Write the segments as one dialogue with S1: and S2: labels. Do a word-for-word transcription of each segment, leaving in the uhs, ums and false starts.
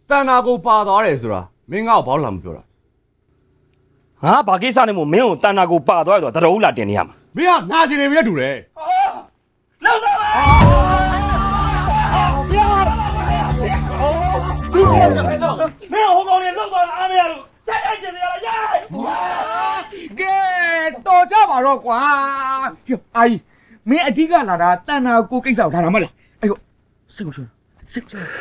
S1: တန်နာကိုပါသွားတယ်ဆိုတာမင်းငါ့ကိုဘာလို့လာမပြောတာ
S2: ငါဘာကိစ္စနဲ့မို့မင်းကိုတန်နာကိုပါသွားတယ်ဆိုတာတတော်ဦးလာတင်နေရမှာ
S1: မင်းကငါချင်နေပြီနဲ့တူတယ်
S2: လောက်စားပါမင်းဟိုကောင်လေးလောက်သွားတာအားမရလို့တိုက်ရိုက်ကျင်နေရလားရိုက်ကဲတော်ကြပါတော့ကွာဟိုအာကြီးမင်းအဓိကလာတာတန်နာကိုကိစ္စကိုထားတာမဟုတ်လားအဲ့ကိုစိတ်ကိုချွတ်စိတ်ကိုချွတ်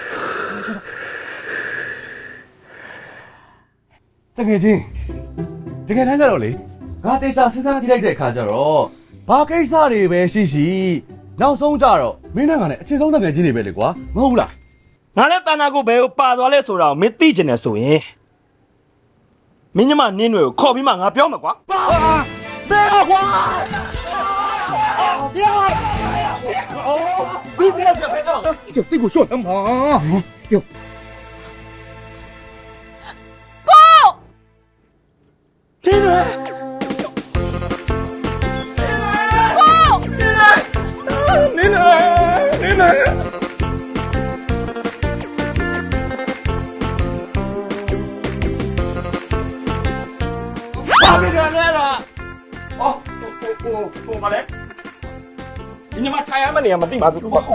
S1: တကယ်ချင်းတကယ်တမ်းကျတော့လေငါတေချာစဉ်းစားကြည့်လိုက်တဲ့အခါကျတော့ဘာကိစ္စတွေပဲရှိရှိနောက်ဆုံးကြတော့မင်းနဲ့ငါနဲ့အချင်းဆုံးတကယ်ချင်းတွေပဲလေကွာမဟုတ်ဘူးလား
S2: ငါလည်းတန်နာကိုဘယ်ကိုပါသွားလဲဆိုတာကိုမင်းသိကျင်တယ်ဆိုရင်မင်းညမနင်းတွေကိုခေါ်ပြီးမှငါပြောမှာကွာပါဘယ်ကွာပြောအော်ဒီကနေ့ပဲတော့စိတ်ကိုရှော့မှာယော天哪！你来，你来！爸比来了！哦，我我我妈嘞！你妈太阳嘛，你妈地马子多。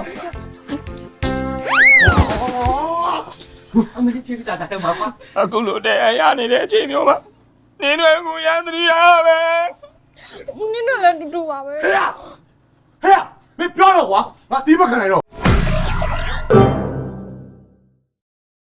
S2: အမေကြီးဖြစ်တာတယ်မှာအခုလိုတဲ့ရနေတဲ့အချိန်မျိုးမှာနင်းတွေကိုရန်တရီရပဲ
S3: နင်းတို့လည်းတူတူပါပဲ
S1: ဟဲ့ဟဲ့မပြောတော့ကွာငါတီးမခံနိုင်တော့